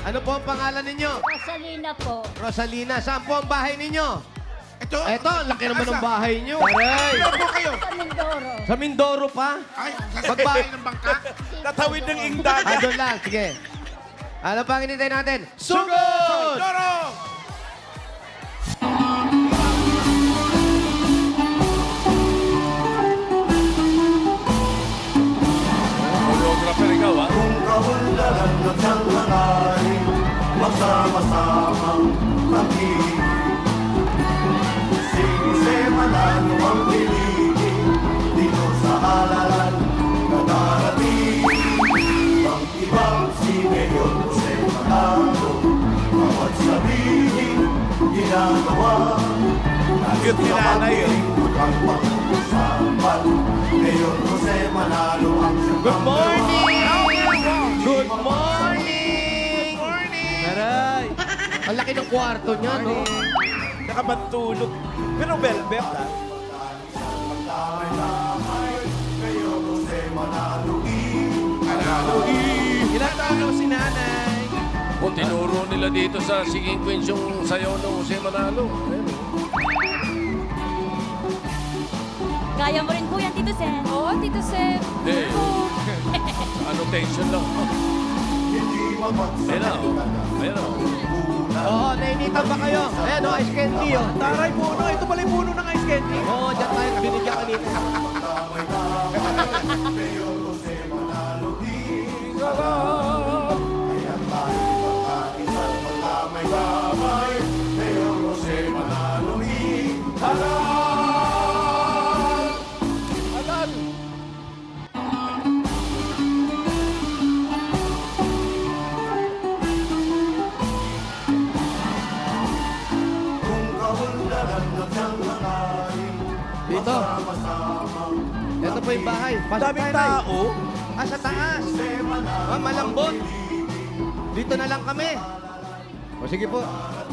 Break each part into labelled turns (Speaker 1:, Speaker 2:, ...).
Speaker 1: Ano po ang pangalan ninyo?
Speaker 2: Rosalina po.
Speaker 1: Rosalina, saan po ang bahay ninyo?
Speaker 3: Ito?
Speaker 1: Eto, ang laki naman ng bahay nyo. Aray!
Speaker 3: Saan po kayo?
Speaker 2: Sa Mindoro.
Speaker 1: Sa Mindoro pa?
Speaker 3: Ay, sa bahay ng bangka?
Speaker 4: Tatawid ng ingdag.
Speaker 1: Doon lang, sige. Ano pa ang hinintay natin? Sugod!
Speaker 3: Doro!
Speaker 4: Choreographer ikaw, ha?
Speaker 5: Kung kaunlaran at siyang hangarin, magsama-samang pag-ibig. Si Jose Manalo ang piligin, dito sa halalan na darating. Ang ibang si Mayor Jose Manalo, bawat sabihin, ginagawa.
Speaker 4: Cute ni nanay, eh.
Speaker 5: Ang pag-usapan, Mayor Jose Manalo ang siyang
Speaker 1: Good morning! Good morning!
Speaker 3: Morning!
Speaker 1: Aray! Ang laki ng kwarto niya, no?
Speaker 4: Nakabantulog. Pero velvet, ha?
Speaker 3: Ilan taon na si nanay?
Speaker 6: Kung tinuro nila dito sa Singing Queens yung sayaw ng Jose Manalo. Ayun.
Speaker 2: Kaya mo rin po yan, Tito Sen. Oo, Tito Sen.
Speaker 6: Hindi. Annotation lang. Ayun na. Ayun na.
Speaker 1: Oo, nainitan ba kayo? Ayan, ice candy, oh.
Speaker 4: Taray puno. Ito pala yung puno ng ice candy.
Speaker 1: Oo, dyan tayo binigyan kanina. Dito. Ito po yung bahay. Pasok
Speaker 4: Daming
Speaker 1: tayo, Nay.
Speaker 4: tao.
Speaker 1: Ah, sa taas. Ah, malambot. Dito na lang kami. O, sige po.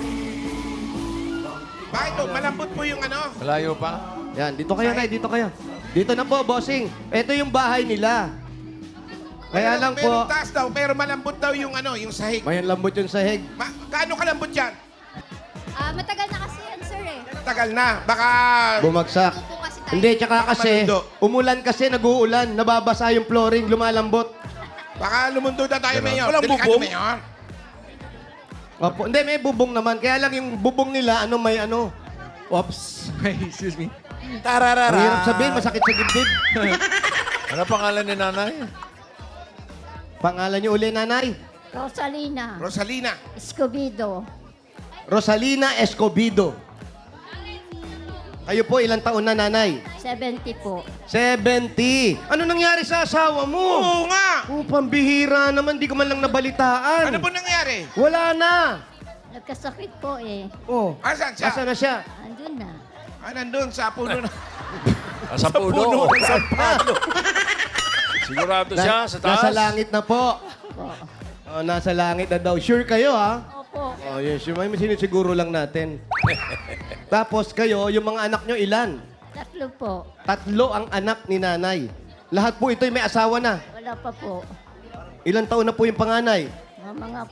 Speaker 3: Bakit to? Malambot po yung ano?
Speaker 6: Malayo pa.
Speaker 1: Yan, dito kayo, Nay. Dito kayo. Dito na po, bossing. Ito yung bahay nila. Kaya lang po,
Speaker 3: Merong taas daw, pero malambot daw yung ano, yung sahig.
Speaker 1: may lambot yung sahig.
Speaker 3: Gaano kalambot yan?
Speaker 2: Matagal na kasi yan, sir eh.
Speaker 3: Tagal na. Baka...
Speaker 1: Bumagsak.
Speaker 2: Po kasi tayo.
Speaker 1: Hindi, tsaka kasi,
Speaker 3: Malundo.
Speaker 1: umulan kasi, nag-uulan, nababasa yung flooring, lumalambot.
Speaker 3: Baka lumundo na tayo, Mayor.
Speaker 4: Walang
Speaker 3: Delikado,
Speaker 4: bubong?
Speaker 3: Mayor.
Speaker 1: Opo, hindi, may bubong naman. Kaya lang yung bubong nila, may ano.
Speaker 4: Oops. Excuse me.
Speaker 1: Ang
Speaker 4: Tararara.
Speaker 1: hirap sabihin, masakit sa dibdib.
Speaker 6: Ano pangalan ni nanay?
Speaker 1: Pangalan niyo uli, nanay?
Speaker 2: Rosalina.
Speaker 3: Rosalina.
Speaker 2: Escobedo.
Speaker 1: Rosalina Escobedo. Kayo po, ilang taon na, nanay?
Speaker 2: 70 po.
Speaker 1: 70. Ano nangyari sa asawa mo?
Speaker 3: Oo nga!
Speaker 1: Oh, pambihira naman, di ko man lang nabalitaan.
Speaker 3: Ano po nangyari?
Speaker 1: Wala na.
Speaker 2: Nagkasakit po eh.
Speaker 1: Oh,
Speaker 3: Asan siya?
Speaker 1: asa na siya?
Speaker 2: Andun na.
Speaker 3: Nandun sa puno na.
Speaker 6: Sa puno.
Speaker 1: Ah,
Speaker 6: Sigurado siya sa taas.
Speaker 1: Nasa langit na po.
Speaker 2: Po.
Speaker 1: Oh, nasa langit na daw. Sure kayo, ha?
Speaker 2: Opo.
Speaker 1: Oh, yes. May sinisiguro lang natin. Tapos kayo, yung mga anak nyo, ilan?
Speaker 2: 3 po.
Speaker 1: 3 ang anak ni nanay. Lahat po ito'y may asawa na.
Speaker 2: Wala pa po.
Speaker 1: Ilang taon na po yung panganay?
Speaker 2: Mga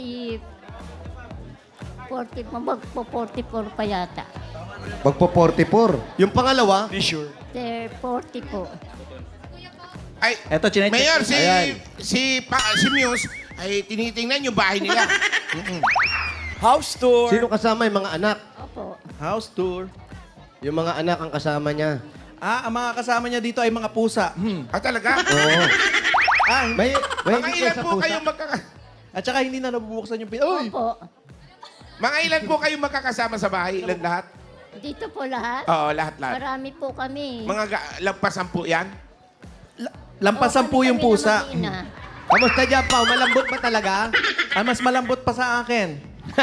Speaker 2: 44 pa yata.
Speaker 1: Magpo 44. Yung pangalawa?
Speaker 4: Sure.
Speaker 2: They're 40 po.
Speaker 3: Ay,
Speaker 4: Eto, chinecheck.
Speaker 3: Mayor,
Speaker 1: Ayan.
Speaker 3: si Muse, ay tinitingnan yung bahay nila.
Speaker 4: House tour.
Speaker 1: Sino kasama yung mga anak?
Speaker 2: Opo.
Speaker 4: House tour.
Speaker 1: Yung mga anak ang kasama niya.
Speaker 4: Ang mga kasama niya dito ay mga pusa.
Speaker 3: Talaga?
Speaker 1: Oo. May
Speaker 3: Mga
Speaker 1: higit
Speaker 3: ilan
Speaker 1: sa
Speaker 3: po
Speaker 1: pusa.
Speaker 3: kayo
Speaker 4: At saka hindi na nabubuksan yung Uy!
Speaker 2: Opo.
Speaker 3: Mga ilan po kayo magkakasama sa bahay? Ilan lahat?
Speaker 2: Dito po lahat.
Speaker 3: Oo, lahat.
Speaker 2: Marami po kami.
Speaker 3: Mga lagpasan po yan?
Speaker 4: Lampasan po yung pusa.
Speaker 1: Kamusta dyan, Pao? Malambot ba talaga?
Speaker 4: Mas malambot pa sa akin.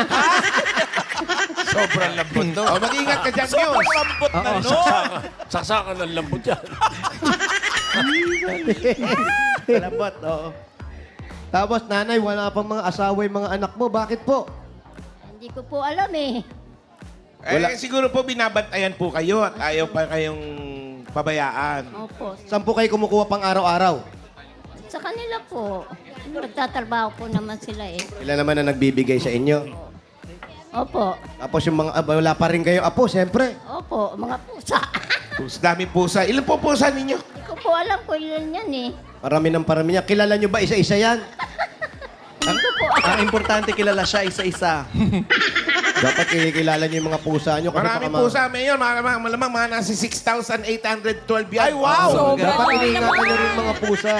Speaker 6: Sobrang lambot to.
Speaker 3: Oh, mag-ingat ka dyan,
Speaker 4: Sobrang
Speaker 3: Muse.
Speaker 4: lambot na, no?
Speaker 6: Saksakan ng lambot yan.
Speaker 1: Malambot, oo. Tapos, nanay, wala pang mga asawa yung mga anak mo. Bakit po?
Speaker 2: Hindi ko po alam eh.
Speaker 3: Siguro po binabantayan po kayo at ayaw pa kayong pabayaan.
Speaker 2: Opo.
Speaker 1: Saan po kayo kumukuha pang araw-araw?
Speaker 2: Sa kanila po.
Speaker 7: Nagtatrabaho po naman sila eh.
Speaker 1: Sila naman na nagbibigay sa inyo.
Speaker 7: Opo.
Speaker 1: Tapos yung mga, wala pa rin kayo apo, siyempre.
Speaker 7: Opo, mga pusa.
Speaker 3: Daming pusa. Ilan po pusa ninyo?
Speaker 7: Hindi ko po alam kung ilan yan eh.
Speaker 1: Parami ng parami niya. Kilala nyo ba isa-isa yan?
Speaker 7: Hindi ko po
Speaker 4: Ang importante kilala siya isa-isa.
Speaker 1: Dapat kinikilala nyo yung mga pusa nyo. kasi
Speaker 3: Maraming
Speaker 1: baka
Speaker 3: pusa, Mayor. Malamang mga nasa 6,812 yan. Ay,
Speaker 1: Dapat iniingatan nyo rin mga pusa.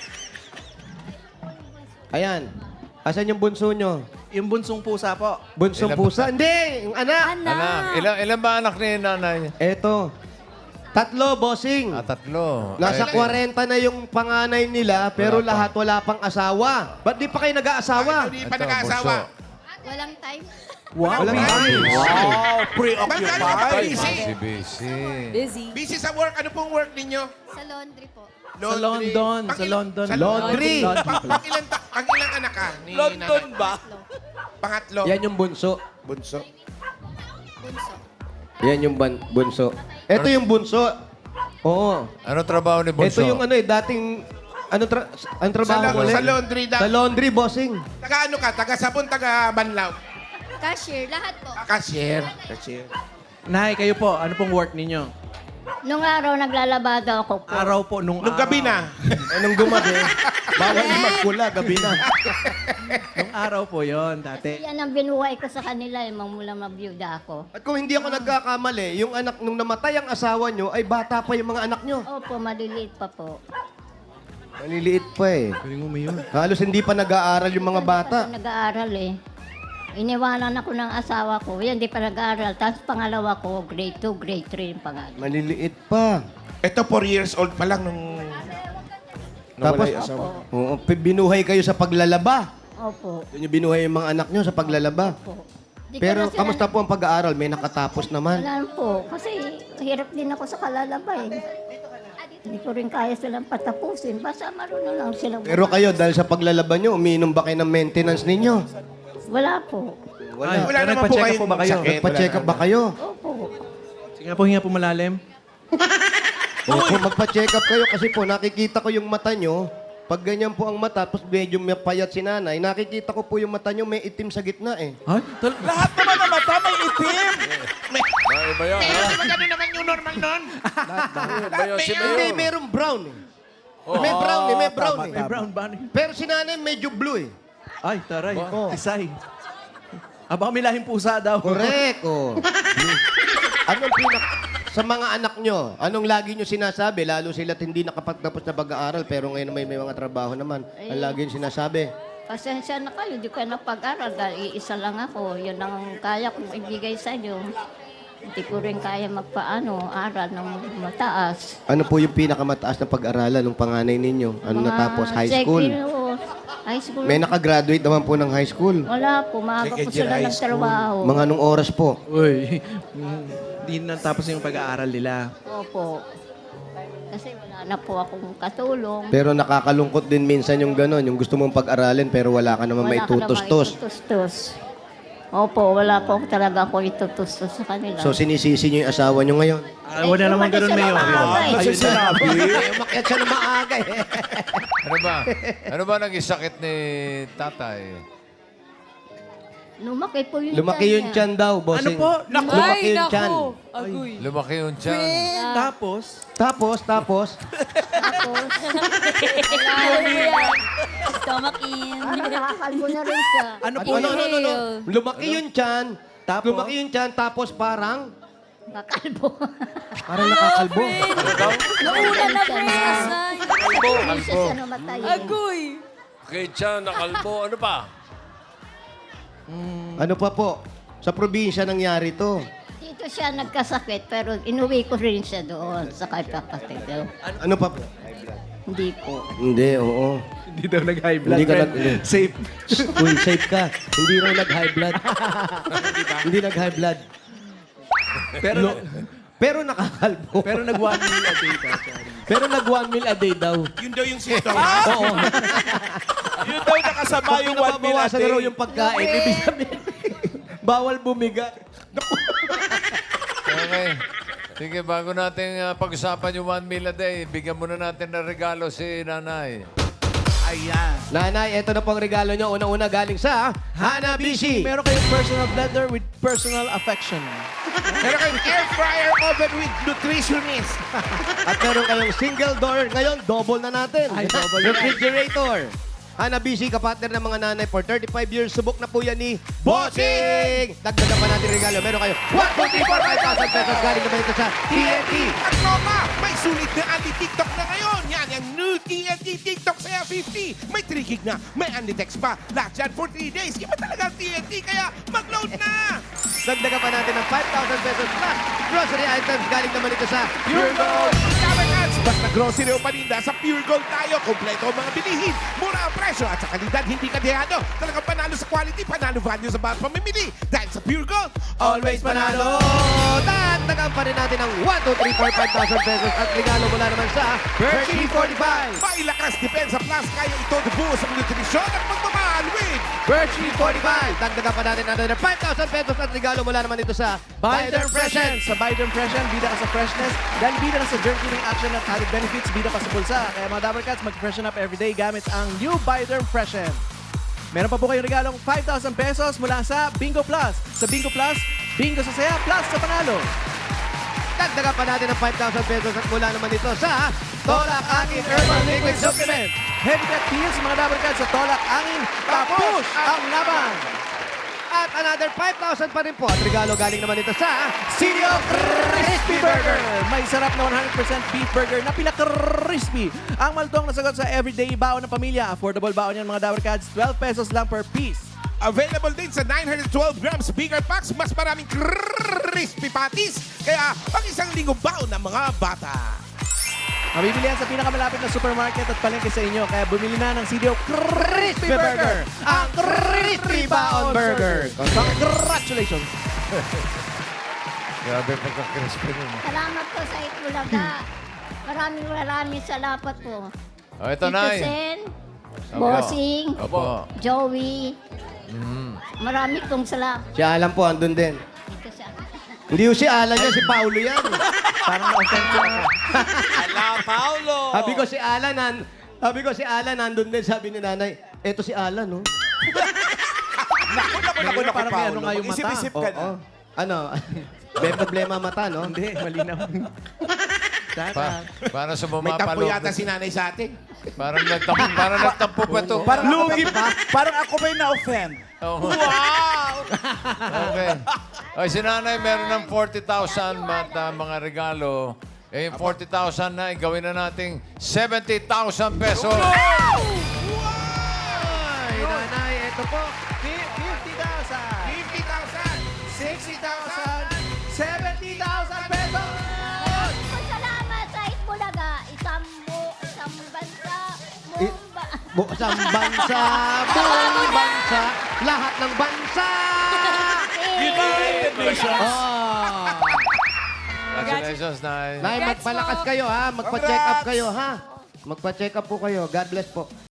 Speaker 1: Ayan. Asan yung bunso nyo?
Speaker 4: Yung bunsong pusa po.
Speaker 1: Bunsong pusa? Hindi! Yung anak!
Speaker 2: Anak.
Speaker 8: Ilan ba anak ni nanay?
Speaker 1: Eto. 3, bossing.
Speaker 8: Tatlo.
Speaker 1: Nasa 40 na yung panganay nila, pero lahat wala pang asawa. Ba't di pa kayo nag-aasawa?
Speaker 3: Hindi pa nag-aasawa.
Speaker 7: walang time.
Speaker 4: Wow.
Speaker 1: Walang time.
Speaker 3: Ba't kayo ba busy?
Speaker 8: Busy.
Speaker 2: Busy.
Speaker 3: Busy sa work. Ano pong work ninyo?
Speaker 7: Sa laundry po.
Speaker 4: Sa London. Sa London.
Speaker 3: Sa
Speaker 1: Laundry.
Speaker 3: Pang ilang anak ka? Ni London ba? Pangatlo.
Speaker 1: Yan yung bunso.
Speaker 3: Bunso.
Speaker 7: Bunso.
Speaker 1: Yan yung bunso. Ito yung bunso. Oo.
Speaker 8: Ano trabaho ni Bunso?
Speaker 1: Ito yung ano dating... Ano trabaho mo ulit?
Speaker 3: Sa laundry.
Speaker 1: Sa laundry, bossing.
Speaker 3: Taga ano ka? Taga sabon, taga banlaw.
Speaker 7: Cashier, lahat po.
Speaker 3: Cashier. Cashier.
Speaker 4: Nay, kayo po, ano pong work ninyo?
Speaker 7: Nung araw naglalabada ako po.
Speaker 4: Araw po, nung
Speaker 3: Nung gabi na.
Speaker 1: Nung gumabi, bawal na magpula, gabi na.
Speaker 4: Nung araw po yon dati.
Speaker 7: Yan ang binuhay ko sa kanila eh, mula mabiyuda ako.
Speaker 1: At kung hindi ako nagkakamali, yung anak, nung namatay ang asawa nyo, ay bata pa yung mga anak nyo.
Speaker 7: Opo, maliliit pa po.
Speaker 1: Maliliit pa eh.
Speaker 4: Galing mo yun.
Speaker 1: Halos hindi pa nag-aaral yung mga bata.
Speaker 7: Kasi nag-aaral eh. Iniwanan ako ng asawa ko. Yan, di pa nag-aaral. Tapos pangalawa ko, grade 2, grade 3 yung pangalan.
Speaker 1: Maliliit pa.
Speaker 3: Ito 4 years old pa lang nung...
Speaker 1: Tapos,
Speaker 3: nawala yung asawa.
Speaker 1: oo, binuhay kayo sa paglalaba.
Speaker 7: Opo.
Speaker 1: Yun yung binuhay yung mga anak nyo sa paglalaba.
Speaker 7: Opo. Di ko
Speaker 1: Pero
Speaker 7: na sila-
Speaker 1: kamusta po ang pag-aaral? May nakatapos naman.
Speaker 7: Wala po. Kasi hirap din ako sa kalalaba eh. Hindi ko rin kaya silang patapusin. Basta marunong lang silang...
Speaker 1: Pero kayo, dahil sa paglalaba nyo, umiinom ba kayo ng maintenance ninyo?
Speaker 7: Wala po.
Speaker 4: Ay,
Speaker 3: Wala
Speaker 4: pero
Speaker 3: naman po
Speaker 4: nagpa-check up
Speaker 3: kayong
Speaker 4: po ba kayo?
Speaker 3: sakit.
Speaker 1: Nagpa-check up ba kayo?
Speaker 7: Opo.
Speaker 4: Sige nga po, hinga po malalim.
Speaker 1: Opo, magpa-check up kayo kasi po nakikita ko yung mata nyo. Pag ganyan po ang mata, tapos medyo may payat si nanay, nakikita ko po yung mata nyo may itim sa gitna eh.
Speaker 4: Ay,
Speaker 5: Lahat naman ng mata may itim.
Speaker 8: Iba yan.
Speaker 3: Pero di ba ganun naman yung normal nun?
Speaker 8: Iba yan si
Speaker 1: Hindi,
Speaker 8: Mayor.
Speaker 1: merong brown eh. May brown eh, may brown eh.
Speaker 4: may brown ba?
Speaker 1: Pero si nanay medyo blue eh.
Speaker 4: Ay, taray. Tisay. Baka may lahing pusa daw.
Speaker 1: Correct, oh. Anong sa mga anak nyo, anong lagi nyo sinasabi? Lalo sila't hindi nakapagtapos na pag-aaral, pero ngayon may mga trabaho naman. Ang lagi nyo sinasabi?
Speaker 7: Pasensya na kayo, di ko na pag-aral dahil iisa lang ako. Yun ang kaya kong ibigay sa inyo. Hindi ko rin kaya aral ng mataas.
Speaker 1: Ano po yung pinakamataas na pag-aralan ng panganay ninyo? Ano
Speaker 7: Mga
Speaker 1: natapos? High school?
Speaker 7: High school.
Speaker 1: May nakagraduate naman po ng high school.
Speaker 7: Wala po, maaga po sila ng trabaho.
Speaker 1: Mga anong oras po?
Speaker 4: Uy, hindi na tapos yung pag-aaral nila.
Speaker 7: Opo. Kasi wala na po akong katulong.
Speaker 1: Pero nakakalungkot din minsan yung gano'n, yung gusto mong pag-aralin pero wala ka naman may
Speaker 7: Wala ka namang
Speaker 1: tutos-tos.
Speaker 7: itutustos. Opo, wala po talaga ako itutustos sa kanila.
Speaker 1: So sinisisi nyo yung asawa nyo ngayon?
Speaker 4: Wala naman
Speaker 7: umalis
Speaker 4: ganun,
Speaker 7: siya
Speaker 4: Mayor.
Speaker 7: ng maaga eh.
Speaker 4: Ayun na.
Speaker 1: Umakyat siya na maaga eh.
Speaker 8: Ano ba? Ano ba naging sakit ni tatay?
Speaker 7: Lumaki po yung
Speaker 1: Lumaki yung
Speaker 7: niya.
Speaker 1: tiyan daw, bossing.
Speaker 4: Ano po?
Speaker 1: Lumaki yung tiyan.
Speaker 2: Agoy.
Speaker 8: Lumaki yung tiyan.
Speaker 4: Tapos,
Speaker 1: Tapos,
Speaker 7: Tapos,
Speaker 2: Alam mo yan. Stomach in.
Speaker 7: nakakalbo na rin siya.
Speaker 4: ano po?
Speaker 1: no. Lumaki yung tiyan.
Speaker 4: Tapos?
Speaker 1: Lumaki yung tiyan, tapos parang
Speaker 7: Kakalbo.
Speaker 1: nakakalbo.
Speaker 2: Nauna na, friends. Ay.
Speaker 7: Hindi siya namatay.
Speaker 2: Agoy.
Speaker 6: Kay Chan, nakalbo. Ano pa?
Speaker 1: Ano pa po? Sa probinsya nangyari to.
Speaker 7: Dito siya nagkasakit, pero inuwi ko rin siya doon sa kay kapatid.
Speaker 1: Ano pa po?
Speaker 7: Hindi po.
Speaker 1: Hindi, oo.
Speaker 4: Hindi daw nag-high blood.
Speaker 1: Hindi ka
Speaker 4: friend.
Speaker 1: nag-
Speaker 4: Safe.
Speaker 1: Uy, safe ka. Hindi raw nag-high blood. Hindi nag-high blood. Pero nakakalbo.
Speaker 4: Pero nag-1 meal a day daw. Sorry.
Speaker 1: Pero nag-1 meal a day daw.
Speaker 3: Yun daw yung symptom.
Speaker 1: Oo.
Speaker 5: Yun daw nakasama
Speaker 1: Pag
Speaker 5: yung 1 meal a
Speaker 1: nababawasan na
Speaker 5: day.
Speaker 1: raw yung pagkain, ibig sabihin, bawal bumigat.
Speaker 8: Okay. Sige, bago natin pag-usapan yung 1 meal a day, bigyan muna natin ng regalo si nanay.
Speaker 4: Ayan.
Speaker 1: Nanay, ito na po ang regalo nyo. Una-una galing sa Hanabishi.
Speaker 4: Meron kayong personal blender with personal affection.
Speaker 3: Meron kayong air fryer oven with nutritionist.
Speaker 1: At meron kayong single door. Ngayon, double na natin.
Speaker 4: Ay, double na.
Speaker 1: Refrigerator. Hanabishi, kapatner ng mga nanay for 35 years. Subok na po yan ni Bossing! Dagdagan pa natin regalo. Meron kayo 1, 2, 3, 4, 5,000 pesos. Galing naman ito sa TNT.
Speaker 3: At Roma, may sulit na anti-TikTok na ngayon. Yan ang new TNT TikTok Saya 50. May 3 gig na, may anti-text pa. Lahat yan for 3 days. Iba talaga ang TNT, kaya mag-load na!
Speaker 1: Dagdagan pa natin ng 5,000 pesos plus grocery items. Galing naman ito sa Pure Gold.
Speaker 3: Kamerats, basta grocery o paninda, sa Pure Gold tayo. Kompleto ang mga bilihin. Mura ang presyo at sa kalidad, hindi kadehado. Talagang panalo sa quality, panalo value sa bawat pamimili. Dahil sa Pure Gold,
Speaker 1: Always panalo! Dagdagan pa rin natin ng 1, 2, 3, 4, 5,000 pesos at regalo mula naman sa Hershey 45.
Speaker 3: Mailakas Depensa Plus, kaya ito buo sa nutrisyon at pagmamahal with
Speaker 1: Hershey 45. Dagdagan pa natin another 5,000 pesos at regalo mula naman ito sa
Speaker 4: Biden Freshen. Sa Biden Freshen, bida ka sa freshness. Dahil bida ka sa germ killing action at added benefits, bida pa sa bulsa. Kaya mga Dabber Cats, mag-freshen up everyday gamit ang new Biden Freshen. Meron pa po kayong regalong 5,000 pesos mula sa Bingo Plus. Sa Bingo Plus, bingo sa saya plus sa panalo.
Speaker 1: Dagdagan pa natin ng 5,000 pesos at mula naman ito sa Tolak Angin Herbal Liquid Supplement.
Speaker 4: Heavy Cut Pills, mga Dabber Cats, sa Tolak Angin, tapos ang laban.
Speaker 1: At another 5,000 pa rin po at regalo galing naman ito sa Sinio Crispy Burger.
Speaker 4: May sarap na 100% beef burger na pinaka-crispy. Ang malutong na sagot sa everyday baon ng pamilya. Affordable baon yan, mga Dabber Cats. 12 pesos lang per piece.
Speaker 3: available din sa 912 grams bigger packs, mas maraming crispy patties. Kaya pang isang linggo baon ng mga bata.
Speaker 4: Mabibili yan sa pinakamalapit na supermarket at palengke sa inyo. Kaya bumili na ng CDO Crispy Burger. Ang Crispy Baon Burger. Congratulations!
Speaker 8: Grabe pagka-crispy nun.
Speaker 7: Salamat po sa Itbulaga. Maraming salamat po.
Speaker 8: O, ito
Speaker 7: Tito
Speaker 8: na.
Speaker 7: Sen,
Speaker 8: Opo.
Speaker 7: Bossing,
Speaker 8: Opo.
Speaker 7: Joey. Marami pong salamat.
Speaker 1: Si Alan po, andun din.
Speaker 7: Dito sa
Speaker 1: Hindi yung si Alan yan, si Paulo yan.
Speaker 4: Parang na-offend ko ako.
Speaker 1: Sabi ko si Alan, nandun din, sabi ni nanay, eto si Alan, no?
Speaker 4: Ngayon, parang may ano nga yung mata.
Speaker 1: Oo. Ano? May problema mata, no?
Speaker 4: Hindi, malinaw.
Speaker 8: Para sa
Speaker 3: May tampo
Speaker 8: bumapalo.
Speaker 3: yata si nanay sa atin.
Speaker 8: Parang nagtampo pa ito.
Speaker 4: Lugi pa. Parang ako ba yung na-offend?
Speaker 8: Wow! Okay. Ay, si nanay meron ng 40,000 mga regalo. Eh, yung 40,000 na, gawin na nating 70,000 pesos.
Speaker 1: Ay, nanay, eto po.
Speaker 4: 50,000.
Speaker 3: 50,000!
Speaker 4: 60,000. 70,000 pesos!
Speaker 7: Salamat sa Itbulaga. Isang bansa,
Speaker 1: Isang bansa, buong bansa, lahat ng bansa.
Speaker 7: United Nations.
Speaker 1: Oh.
Speaker 8: Congratulations, Nay.
Speaker 1: Nay, magpalakas kayo ha. Magpa-check up kayo ha. Magpa-check up po kayo. God bless po.